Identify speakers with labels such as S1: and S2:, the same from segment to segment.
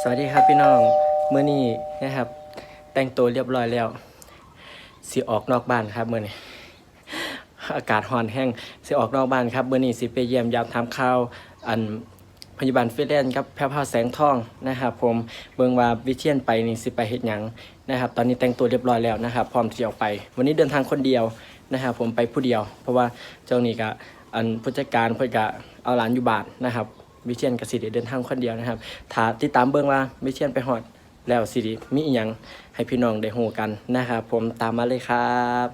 S1: สวัสดีครับพี่น้องมื้อนี้นะครับแต่งตัวเรียบร้อยแล้วสิออกนอกบ้านครับมื้อนี้อากาศร้อนแห้งสิออกนอกบ้านครับมื้อนี้สิไปเยี่ยมยามถามข่าวอันพยาบาลฟรีแลนซ์ครับแพร่พาวแสงทองนะครับผมเบิ่งว่าวิเชียนไปนี่สิไปเฮ็ดหยังนะครับตอนนี้แต่งตัวเรียบร้อยแล้วนะครับพร้อมที่จะออกไปวันนี้เดินทางคนเดียวนะครับผมไปผู้เดียวเพราะว่าเจ้านี่ก็อันผู้จัดการเพิ่นก็เอาหลานอยู่บ้านนะครับวิเชียนกับสิริเดินทางคนเดียวนะครับถ้าติดตามเบิ่งว่าวิเชียนไปฮอดแล้วสิริมีอีหยังให้พี่น้องได้ฮู้กันนะครับผมตามมาเลยครับ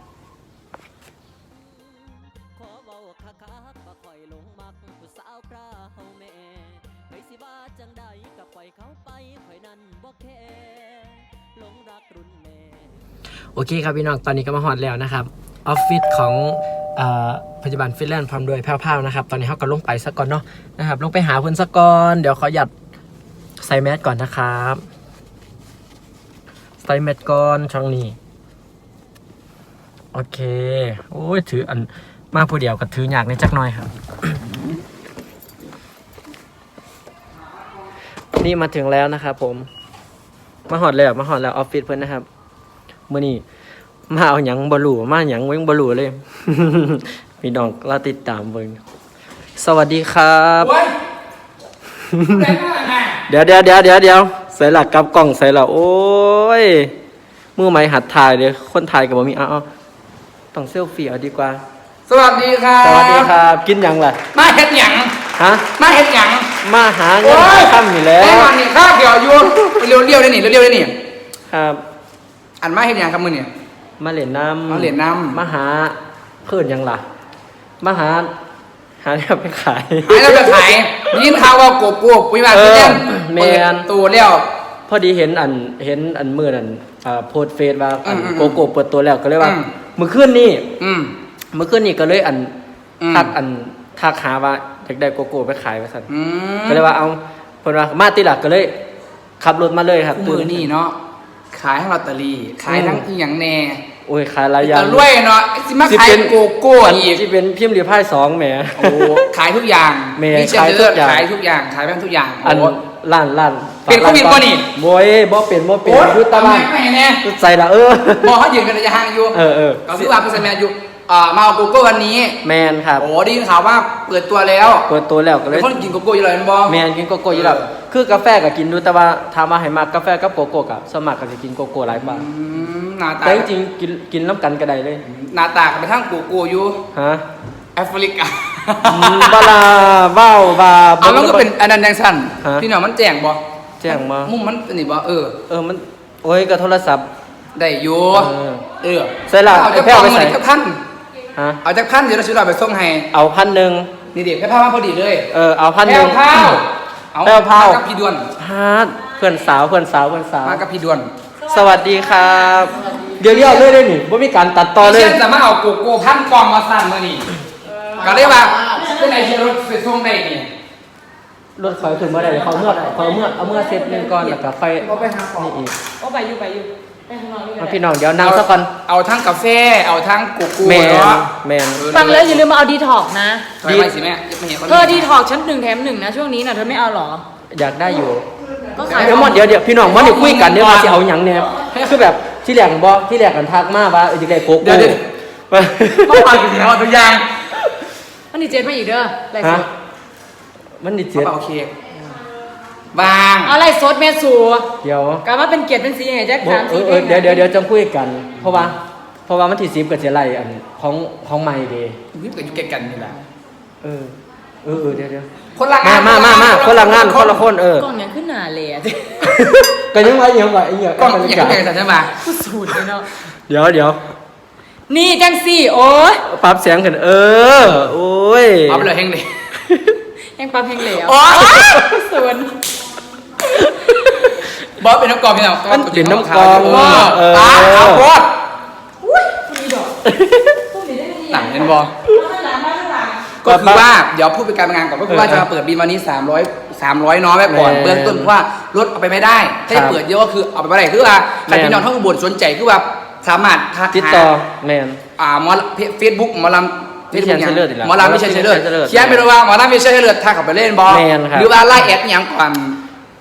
S1: โอเคครับพี่น้องตอนนี้ก็มาฮอดแล้วนะครับออฟฟิศของพยาบาลฟรีแลนซ์พร้อมด้วยแพร่วๆนะครับตอนนี้เขาก็ลงไปสักก่อนเนาะนะครับลงไปหาเพื่อนสักก่อนเดี๋ยวขอหยัดใส่แมสก่อนนะครับใส่แมสก่อนช่องนี้โอเคโอ้ยถืออันมากผู้เดียวก็ถืออยากในจักหน่อยครับ นี่มาถึงแล้วนะครับผมมาหอดแล้วออฟฟิศเพื่อนนะครับมื่อนี้มาเอาหยังบลูมาหยังเว้งบลูเลย พี่น้องเราติดตามเบิ่งสวัสดีครับเดี๋ยวใส่หลักกับกล่องใส่หลักโอ้ยมือไม้หัดถ่ายเลยคนถ่ายกับบ่มีเอาต้องเซลฟี่เอาดีกว่า
S2: สวัสดีครับ
S1: สวัสดีครับกินหยังล่ะ
S2: มาเฮ็ดหยัง
S1: ฮะ
S2: มาเฮ็ดหยัง
S1: มาหาเงินค่ำอยู่แล้ว
S2: แน่นอนนี่ข้าวเกี่ยวอยู่เร็วๆได้นี่เร็วๆได้นี่
S1: ครับ
S2: อันมาเฮ็ดหยังครับมื้อนี่
S1: มาเหรียญน้ำมาหาเพื่อนยังล่ะมาหาเนี่ยไปขาย
S2: แล้วไปขายยินข่าวว่าโกโก้ปุ้ยมาเพื่อน
S1: แมน
S2: ตัวแล้ว
S1: พอดีเห็นอันมือนั่นโพสเฟซว่าโกโก้เปิดตัวแล้วก็เลยว่ามื้อคืนนี้ก็เลยทักหาว่าอยากได้โกโก้ไปขายว่าซั่นก็เลยว่าเอาเพิ่นว่ามาติล่ะก็เลยขับรถมาเลยครับ
S2: มื้อนี้เนาะขายทั้งลอตเตอรี่ขายทั้งอีหยังแน่
S1: โอ้ยขายหลายอย่าง
S2: รวยเนาะสิมาขายโกโก้อีก
S1: ที่เป็นพิมพ์รีพาย2แหม
S2: โอ้ขายทุกอย่าง
S1: มีขายทุกอย่าง
S2: ขายทุกอย่างขายแม่งทุกอย่าง
S1: อันร้าน
S2: เป็นโควิดบ่นี่
S1: บ่บ่เป็นอยู่ตะบ้านใส่ละ
S2: บ่เฮายืนกันระยะห่างอยู่ก็คือว่าเพิ่นใส่แมสอยู่มาเอาโกโก้วันนี้
S1: แมนครับ
S2: โอ้ได้ยินข่าวว่าเปิดตัวแล้ว
S1: ก็เลย
S2: คนกินโกโก้อยู่แล้วบ่
S1: แมนกินโกโก้อยู่แล้วคือกาแฟก็กินดูแต่ว่าถามว่าให้มากาแฟกับโกโก้ก็สมัครก็สิกินโกโก้หลายบาท
S2: หน้าตา
S1: แต่จริงๆกินน้ำกันก็ได้เลย
S2: หน้าตาก็ไปทางโกโก้อยู่
S1: ฮะ
S2: แอฟริกา
S1: บาลาว้าวบา
S2: มันก็เป็นอันนั้นจังซั่นพี่น้องมันแจ้งบ่มุมมันนี่บ่
S1: มันโอ้ยก็โทรศัพท์
S2: ได้อยู่
S1: ใส่ละ
S2: เอาจักพันเอาจักพันเดี๋ยวเราสิเราไปส่งให้
S1: เอา1,000
S2: นี่ดิแค่พามาพอดีเลย
S1: เอา1,000
S2: แพ้วมากับพี่ดวน
S1: เพื่อนสาว
S2: มากับพี่ดวน
S1: สวัสดีครับเดี๋ยวเลยได้นี่บ่มีการตัดต่อเลย
S2: เช่นจะมาเอาโกโก้พันกล่องมาสั่นมื้อนี้ก็เลยว่าเป็นไหนที่รถไปส่งได้นี่
S1: รถไฟถึงเมื่อไหร่เขาเมื่อเสร็จนึงก่อนแล้วก็ไฟ
S2: นี่อีกไปอยู่ไปข้างนอกนี่ก็ได้
S1: พี่น้องเดี๋ยวนั่งซะก่อน
S2: เอาทั้งกาแฟเอาทั้งโกโก้
S1: แมน
S3: ฟังแล้วอย่าลืมมาเอาดีท็อกนะ
S2: ดีสิแม่
S3: เธอดีท็อกชั้น1 แถม 1นะช่วงนี้น่ะเธอไม่เอาหรอ
S1: อยากได้อยู่
S3: ก็ขาย
S1: เดี๋ยวพี่น้องมันเดี๋ยวคุยกันเดี๋ยวว่าสิเอาหยังเนี่ยคือแบบที่แรกกันทักมาว่าอยากได้โกโก้
S2: มาฟังกันแล้วทุกอย่าง
S3: มันนี่เจ็ดมาอีกเด้ออะไรสด
S1: มันนี่เจ็ด
S2: โอเคบาง
S3: อะไรสดแม่สู
S1: เดี๋ยว
S3: กลับมาเป็นเกียรติเป็นสีไงแจ็คถามที
S1: เดี๋ยวจะคุยกันเพราะว่ามันที่10ก็จะไล่อันของใหม่เด้
S2: วิบกับอยู่ใกล้กันนี่แหละ
S1: เดี๋ยว
S2: คนละงาน
S1: มาคนละงานคนละคน
S3: กล้องยังขึ้นหน้าเลยอ่ะ
S1: ก็ยังไว้ไอ้เหี้ย
S2: กล้องยังไงใช่มั้ย
S3: กูสูดเลยเนาะ
S1: เดี๋ยว
S3: นี่จังซี่โอ้ย
S1: ปรับเสียงขึ้นโอ้ย
S2: ปรับเลยแฮงเลย
S3: แฮงปรับแฮงเหลว
S2: โอ้ย
S3: ส่วน
S2: บอสเป็นน้ำกองพี่น้อง
S1: มันเป็นน้ำกอง
S2: เอาบอส
S3: อุ้ยมีดอก
S2: หนังเห็นบอสก็คือว่าเดี๋ยวพูดเป็นการงานก่อนก็คือว่าจะมาเปิดบินวันนี้300น้อยไว้ก่อนเบื้องต้นเพราะว่ารถเอาไปไม่ได้ถ้าจะเปิดเยอะก็คือเอาไปไม่ได้คือว่าใครพี่น้องทั้งอุบลสนใจคือว่าสามารถ
S1: ติดต่อแมน
S2: เฟซบุ๊กหมอลำ
S1: หม
S2: อลำไม่ใช่เชิญเลือดเขียนไปเลยว่าหมอลำไม่ใช่เชิญเลือดถ้าขับไปเล่นบอลหรือว่าไล่แอดอย่างก่อน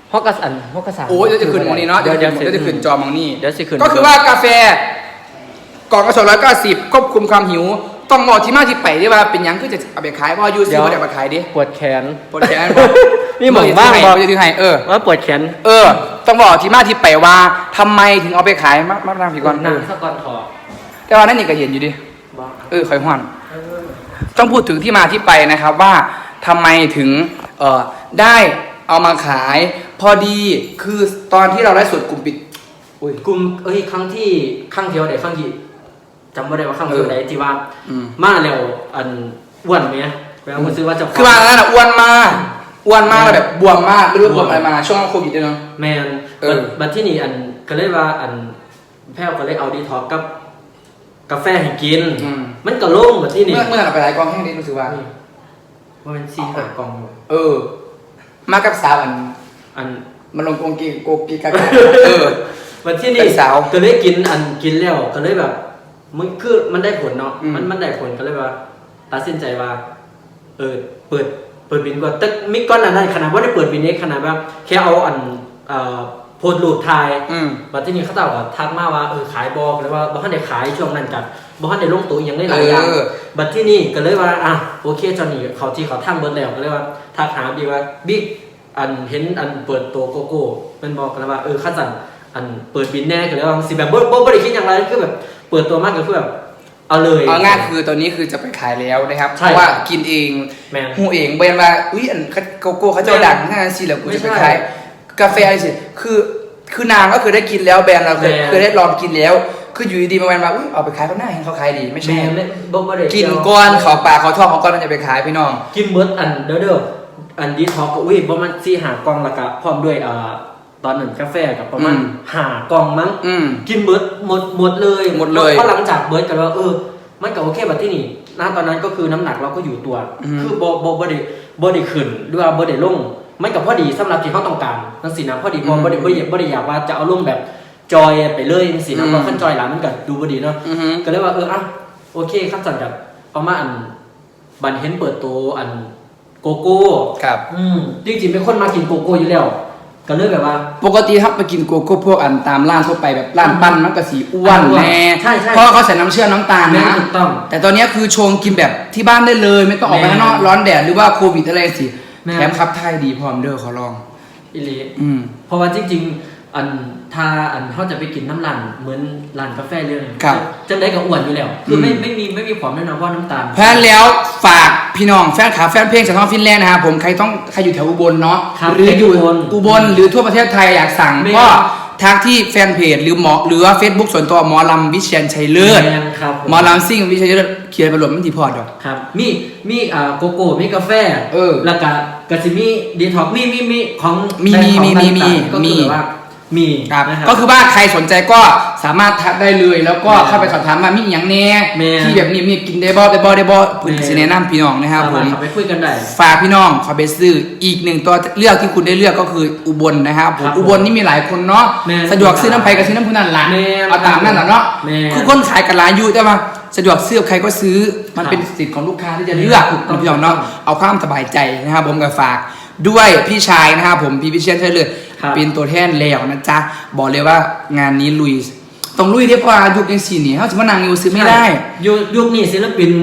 S1: ฮอกกะสาน
S2: โอ้ยเดี๋ยวจะขึ้นมองนี้เนาะเดี๋ยวจะขึ้นจอมองนี้
S1: เดี๋ยวสิขึ้น
S2: ก็คือว่ากาแฟกล่องละ290ควบคุมความหิวต้องบอกที่มาที่ไปที่ว่าเป็นหยังคือจะเอาไปขายเพราะยูซีก็จะมาขายดิ
S1: ปวดแขน
S2: ปวดแขน
S1: มีหมองบ้าง
S2: บอกจะถือให้
S1: ว่าปวดแขน
S2: ต้องบอกที่มาที่ไปว่าทำไมถึงเอาไปขายมาทางผีก่อน
S1: หนังสะก่อนถอด
S2: แต่ว่านั่นนี่ก็เห็นอยู่ดิ
S1: บ้า
S2: คอยห่อนต้องพูดถึงที่มาที่ไปนะครับว่าทำไมถึงได้เอามาขาย พอดีคือตอนที่เราได้สดกลุ่มปิด
S1: กลุ่มครั้งที่ไหนครั้งที่จำไม่ได้ว่าครั้งที่ไหนที่ว่า มาแล้วอันอ้วนไหมแปลว่าคุณซื้อว่าจะ
S2: คือมาแล้วนะอ้วนมากแล้วแบบบวมมากไม่รู้บวมอะไรมาช่วงโควิดด้วยเนาะ
S1: แมนบัดที่นี่อันก็เลยว่าอันแพ้วก็เลยเอาดีท็อกกับกาแฟให้กินมันก็โล่งบัดที่นี่
S2: เมื่อเราไปหลายกองแห้งนี้รู้สึกว่า
S1: ว่าเป็นซีหากอง
S2: มากับสาวอันมันลงโกกีกัน
S1: บัดที่นี่ก็เลยกินแล้วก็เลยแบบมันคือมันได้ผลเนาะมันได้ผลก็เลยว่าตัดสินใจว่าเปิดบินก่อนแต่มิก้อนนั้นขนาดว่าได้เปิดบินนี้ขนาดว่าแค่เอาโพสต์รูปถ่ายบัดที่นี่เขาตอบว่าทักมาว่าขายบอกเลยว่าบ่ทันได้ขายช่วงนั้นกันบ่ทันได้ลงตัวยังได้หลายอย่างบัดที่นี่ก็เลยว่าโอเคจอนนี่เขาที่เขาทำเบิดแล้วก็เลยว่าทักหาบิ๊กว่าบิ๊กเห็นเปิดตัวโกโก้เป็นบอกกันว่าขั้นสั่นเปิดบินแน่ก็เลยว่าสิแบบบ่ได้คิดอย่างไรคือแบบเปิดตัวมากก็คือแบบเอาเลย
S2: เอาง่ายคือตอนนี้คือจะไปขายแล้วนะครับเพราะว่ากินเองหูเองเบนว่าโกโก้เขาจะดังง่ายสิแล้วกูจะไปขายกาแฟสิคือนางก็คือได้กินแล้วแบรนด์เราเคยได้ลองกินแล้วคืออยู่ดีๆมาแบนว่าเอาไปขายเขาหน้าเห็นเขาขายดีไม่ใช่กินก้อนเขาปากเขาท้องเขาก้อนมันจะไปขายพี่น้อง
S1: กินเบิร์ดเด้อดีท็อกก็บ่มัน4 หากล่องละกะพร้อมด้วยตอนนั้นกาแฟกับประมาณ5 กล่องมั้งกินเบิร์ดหมดเลยเพราะหลังจากเบิร์ดกันว่ามันก็โอเคแบบที่นี่ณตอนนั้นก็คือน้ำหนักเราก็อยู่ตัวคือบ่ได้ขึ้นหรือว่าบ่ได้ลงมันก็พอดีสำหรับที่เขาต้องการนั่นสินะพอดีบ่ได้อยากว่าจะเอาลงแบบจอยไปเลยนั่นสินะเพราะขั้นจอยหลังมันก็ดูบ่ดีเนาะก็เลยว่าโอเคขั้นสั่นกับเอามาบันเห็นเปิดตัวโกโก้
S2: ครับ
S1: จริงๆเป็นคนมากินโกโก้อยู่แล้วก็เลยแบบว่า
S2: ปกติครับไปกินโกโก้พวกตามร้านทั่วไปแบบร้านปั้นมันก็สีอ้วนแน่
S1: ใช่
S2: เพราะเขาใส่น้ำเชื่อมน้ำตาลนะ
S1: ถูกต้อง
S2: แต่ตอนนี้คือชงกินแบบที่บ้านได้เลยไม่ต้องออกไปข้างนอกร้อนแดดหรือว่าโควิดอะไรสิแถมครับไทยดีพร้อมเด้อขอลอง
S1: อิลีเพราะว่าจริงๆถ้าเขาจะไปกินน้ำรันเหมือนร้านกาแฟเรื่องจะได้กับอ้วนอยู่แล้วคือไม่มีความแน่นอนว่าน้ำตาล
S2: เพราะฉะนั้นแล้วฝากพี่น้องแฟนขาแฟนเพลงจากท้องฟินแลนด์นะครับผมใครอยู่แถวอุบลเนาะหรืออยู่อุบลหรือทั่วประเทศไทยอยากสั่งก็ทักที่แฟนเพจหรือว่า Facebook ส่วนตัวหมอลำวิเชียรชัยเลิศหมอลำซิ่งวิเชียรชัยเลิศเขียนประหลดมันทีพอดอก
S1: ครับมีโกโก้มีกาแฟแล้วก็สิมีดีท็อกมีของ
S2: มี
S1: ว่ามี
S2: ครับก็คือว่าใครสนใจก็สามารถทักได้เลยแล้วก็เข้าไปสอบถามมามีอย่างแน่ที่แบบนี้กินได้บ่พื้นที่แนะนำพี่น้องนะครับผม
S1: ไปคุยกันได้
S2: ฝากพี่น้องขอไปซื้ออีกหนึ่งตัวเลือกที่คุณได้เลือกก็คืออุบลนะครับผมอุบลนี่มีหลายคนเนาะสะดวกซื้อน้ำไผ่กับซื้อน้ำพุนั่นละเอาตามนั่นแหละเนาะคือคนขายกันหลายอยู่แต่ว่าสะดวกซื้อใครก็ซื้อมันเป็นสิทธิ์ของลูกค้าที่จะเลือกพี่น้องเนาะเอาความสบายใจนะครับผมก็ฝากด้วยพี่ชายนะครับผมพี่วิเชียรชัยเลิศเป็นตัวแทนแล้วนะจ๊ะบอกเลยว่างานนี้ลุยต้องลุยเรียกว่ายุคยังสี่นี่เขาจะมานั่งอยู่ซื้อไม่ได้
S1: ยุคนี้ศิลปิน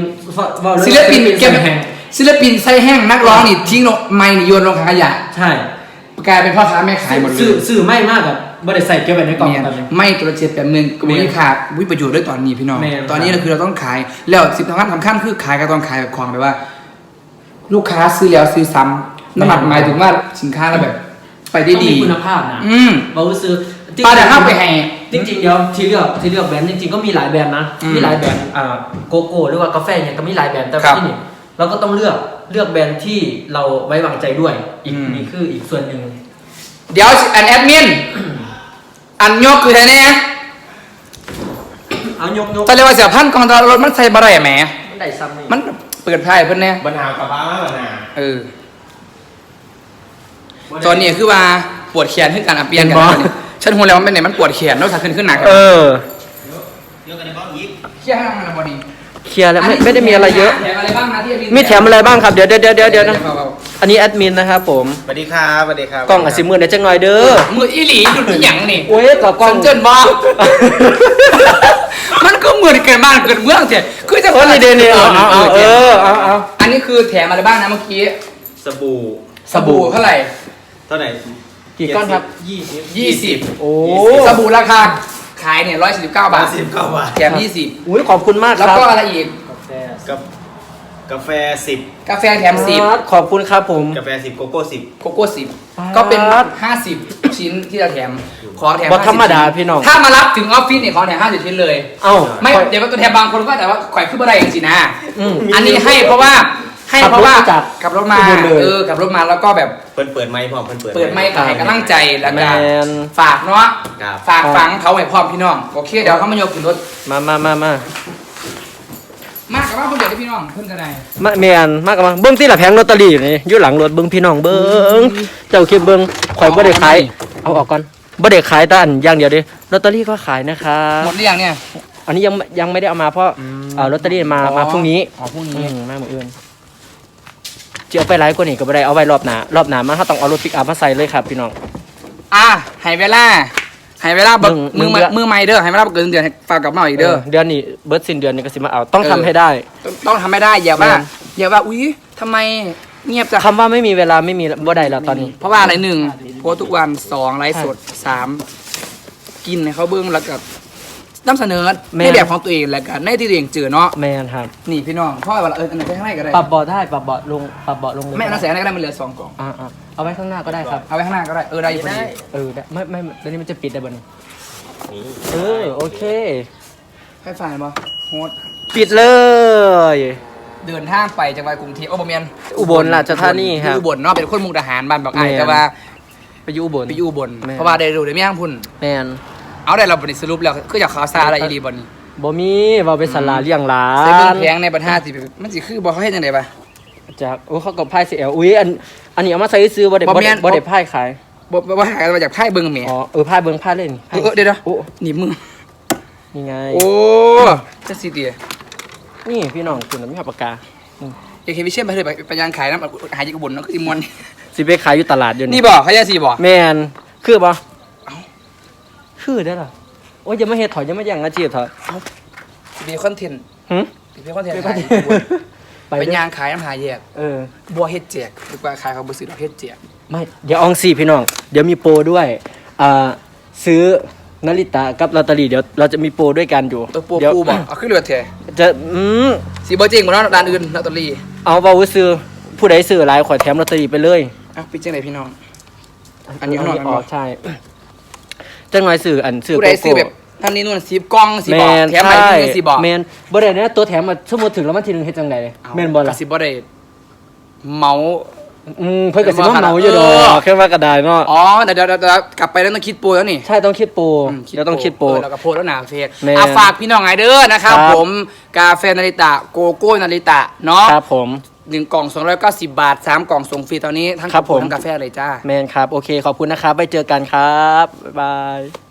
S2: ใส่แห้งนักร้องนี่ทิ้งลงไม้นี่โยนลงขยะ
S1: ใช่
S2: กลายเป็นพ่อค้าแม่ขายหมดเลย
S1: สื่อไม่มากแบบไม่ได้ใส่เก็บไว้ในกล่อง
S2: ไม่ตัวเจ็ดแบบนึงก็ไม่ขาดวิประโยชน์ด้วยตอนนี้พี่น้องตอนนี้เราคือเราต้องขายแล้วสิ่งสำคัญคือขายก็ต้องขายแบบของแบบว่าลูกค้าซื้อแล้วซื้อซ้ำน้ำหนักหมายถึงว่าสินค้าเราแบบไปได้ดี
S1: มีคุณภาพนะเราซื้อ
S2: ปลาเดี๋ยวเข้าไปให้
S1: จริงๆเดี๋ยวที่เลือกแบรนด์จริงๆก็มีหลายแบรนด์นะมีหลายแบรนด์โกโก้หรือว่ากาแฟเนี่ยก็มีหลายแบรนด์แต่ที่นี่เราก็ต้องเลือกแบรนด์ที่เราไว้วางใจด้วยนี่คืออีกส่วนหนึ่ง
S2: เดี๋ยวแอดมินยกคือไงเนี่ย
S1: ยก
S2: แต่เรียกว่าเสียพันกองตลอดมันใส่บะไรแหม
S1: มันได้ซ้ำนี่
S2: มันเปิดไพ่เพื่อนเนี่ย
S4: บรรหากับบ้าบรรหา
S2: ตอนนี้คือว่าปวดแขนขึ้นการเปลี่ยนกันฉันหัวแล้วมันเป็นไหนมันปวดแขนแล้วถ้าขึ้นหนัก
S4: เยอะกันในบ้านยิบ
S2: เคลียร์ให้ทำอะไรบอดี
S1: เคลียร์แล้วไม่ได้มีอะไรเยอะ
S2: แถมอะไรบ้างนะที่
S1: มีแถมอะไรบ้างครับเดี๋ยวนะอันนี้แอดมินนะครับผม
S4: สวัสดีครับสวัสดีครับ
S1: กล้องอาจสิมือได้จังหน่อยเด้อ
S2: มืออีหลีดุดหยังนี่
S1: โอ้ยกับกล้อง
S2: เจินบอ มันก็เหมือนเกิดบ้านเกิดเมืองเสียคือจะ
S1: โอ้ยนี่เดนเนี่ยเอา
S2: อันนี้คือแถมอะไรบ้างนะเมื่อกี้
S4: สบู่
S2: สบู่เท่าไหร่
S4: เท่าไหร่
S1: กี่ก้อนครับ
S2: 20
S1: โอ้
S2: สบู่ราคาขายเนี่ย149 บาท
S4: 19 บาท
S2: แถม
S1: อุ้ยขอบคุณมาก
S2: 20
S1: ครั
S2: แล้
S1: บ
S2: วก็อะไรอีก
S4: กับกาแฟ
S2: กาแฟแถม
S1: ขอบคุณครับผม
S4: 10กาแฟ10โกโก้
S2: 10โกโก้10ก็เป็น50 ชิ้นที่เราแถมของแถม
S1: บ่ธรรมดา
S2: 50
S1: พี่น้อง
S2: ถ้ามารับถึงออฟฟิศเนี่ยของแถม50 ชิ้นเลย
S1: เอ้า
S2: ไม่เดี๋ยวตัวแทนบางคนก็แต่ว่าข่อยขึ้นมาได้เองสินะ
S1: อืม
S2: อันนี้ให้เพราะว่าขับรถมา
S1: อุบลเลย
S2: ขับรถมาแล้วก็แบบ
S4: เปิดไมค์พร้อมเปิด
S2: เปิดไมค์ขายกำลังใจแล้ว
S1: แม
S2: ก็
S1: น
S2: ฝากเนาะ
S4: ครับ
S2: ฝากฝังเขาให้พร้อมพี่น้องโอเคเดี๋ยวเขามาโยกขึ้นรถ
S1: มา
S2: มากกับว่าคนเดียวที่พี่น้องเพิ่นกันได้
S1: แมนมากกับมาเบิ้งที่ละแผงลอตเตอรี่นี่อยู่หลังรถเบิ้งพี่น้องเบิ้งเจ้าคิดเบิ้งข่อยบ่ได้ขายเอาออกก่อนบ่ได้ขายแต่อันอย่างเดียวเดิลอตเตอรี่ก็ขายนะคะ
S2: หมดหรือยังเนี่ย
S1: อันนี้ยังไม่ได้เอามาเพราะลอตเตอรี่มาพรุ่งนี้
S2: พรุ่งนี้
S1: มามื้ออื่นจะเอาไปไลฟ์กว่านี้ก็บ่ได้เอาไว้รอบหน้ารอบหน้ามาเฮาต้องเอารถปิกอัพมาใส่เลยครับพี่น้อง
S2: ให้เวลาบัก
S1: หนึ่ง
S2: มือใหม่เด้อให้เวลาบักเกินเดือนให้ฝากกลับมาอีกเด้อ
S1: เดือนนี้เบิร์ดสิ้นเดือนนี้ก็สิมาเอาต้องทำให้ได้
S2: ต้องทำไม่ได้อย่าว่าอุ๊ยทำไมเงียบจัง
S1: คำว่าไม่มีเวลาไม่มีบ่ได้แล้วตอนนี้
S2: เพราะว่าอะไร1โพสต์ทุกวัน2ไลฟ์สด3กินให้เขาเบิ้งแล้วก็นำเสนอในแบบของตัวเองแล้วกันในที่ตัวเองเจอเนาะ
S1: แมนครับ
S2: นี่พี่น้องพ่อว่าอันไหนไปข้างในก็ได้
S1: ปรับเบาะได้ปรับเบาะลงปรับเบาะลงเลย
S2: ไม่น่าเสียอะไรก็ได้มันเหลือ2กล่อง
S1: เอาไว้ข้างหน้าก็ได้ครับ
S2: เอาไว้ข้างหน้าก็ได้ได้อยู่พอดี
S1: ได้ไม่ตอนนี้มันจะปิดได้บ่นี่
S4: นี่
S1: โอเค
S2: ให้ฝ่ายบ่โฮส
S1: ปิดเลย
S2: เดินทางไปจังหวัดกรุงเทพบ่แม่น
S1: อุบลราชธานีครับ
S2: อุบลเนาะเป็นคนมุกดาหารบ้านบอกไอ้
S1: แม่น
S2: แต่ว่า
S1: ไปอยู่อุบล
S2: ไปอยู่อุบล
S1: แม่น
S2: เพราะว่าได้รู้ได้มีทางพุ่น
S1: แมน
S2: เอาได้เราบ่ได้สรุปแล้วคืออยากข่าวสารอะไรอีหลีบ่นี่
S1: บ่มีเว้าไปสลาเลี้ยงหลา
S2: ใส่เบิ่ง
S1: น
S2: แพงในบรรทัดสิมันสิคือบ่เขาเฮ็ดจังได๋ปะ
S1: จากเขากับไพ่CLอุ้ยอันนี้เอามาใส่ซื้อบ่ได้
S2: บ่แม่น
S1: บ่ได้ไพ่ขาย
S2: บ่หากันมาจากไพ่เบิ่งแหม
S1: ไพ่เบิ่งไพ่เล่นไพ่
S2: เดี๋ยว
S1: โอ้
S2: หนีบมือ
S1: นี่ไง
S2: โอ้จังซี่ติ
S1: นี่พี่น้องคุณมีปากกา
S2: อยากเห็นวิเชียรไปเลยไปยางขายน้ำหายจากอุบลเนาะคือสิมวน
S1: สิไปขายอยู่ตลาดอยู่
S2: นี่บ่เขาจะสิบ่
S1: แมนคือบ่คือได้ล่ะโอ้ยอย่ามาเฮ็ดถอยอย่ามาแย่งอาชีพเถอะ
S2: สิเป็นคอนเทนต์
S1: หึ
S2: สิเป็นคอนเทนต์
S1: ไป
S2: ขาย
S1: ไป
S2: ไปยางขายน้ำหาแยก บัวเฮ็ดแจกดีกว่าขายเขาบ่ซื้อดอกเฮ็ดแจก
S1: ไม่เดี๋ยวอองซี่พี่น้องเดี๋ยวมีโปรด้วยซื้อนาฬิตากับลอตเตอรี่เดี๋ยวเราจะมีโปรด้วยกันอยู่
S2: ตัวปู
S1: เดี๋ยว
S2: ปูบ่เอาขึ้นเรือแท้
S1: จะ
S2: สิบ่จริงบ่เนาะร้านอื่นลอตเตอรี่
S1: เอาเว้าซื้อผู้ใดซื้อหลายขอแถมลอตเตอรี่ไปเลย
S2: ปิดจังไดพี่น้อง อันนี้ข้างนอก
S1: อ๋อใช่จังหน่อยซื้ออันซื้อ
S2: ผู้ใดซื้อแบบท่านนี้นู่น10กล่องสิบ่แถมไปที่สิบ่
S1: แมนบ่ได้เนี่ยตัวแถมมาสมมุติถึงแล้วมันทีนึงเฮ็ดจังไดแม่นบ่ล่ะ
S2: สิบ่ได้เมา
S1: เพิ่นก็สิมาเมาอยู่ดอกแค่ว่ากระดาษเนาะ
S2: อ๋อเดี๋ยวกลับไปแล้วต้องคิดโปรแล้วนี่
S1: ใช่ต้องคิดโปรเดี๋ยวต้องคิดโปร
S2: แล้วก็โพสแล้วหนาเฟซ
S1: แม่
S2: ฝากพี่น้องไงเด้อนะครับ
S1: ครับ
S2: ผมกาแฟนาริตะโกโก้นาริตะเนาะ
S1: ครับผม
S2: 1 กล่อง 290 บาท 3 กล่องส่งฟรีตอนนี้ทั้ง
S1: ครับผม
S2: ทั้งกาแฟเลยจ้า
S1: แมนครับ โอเค ขอบคุณนะครับ ไปเจอกันครับ บ๊ายบาย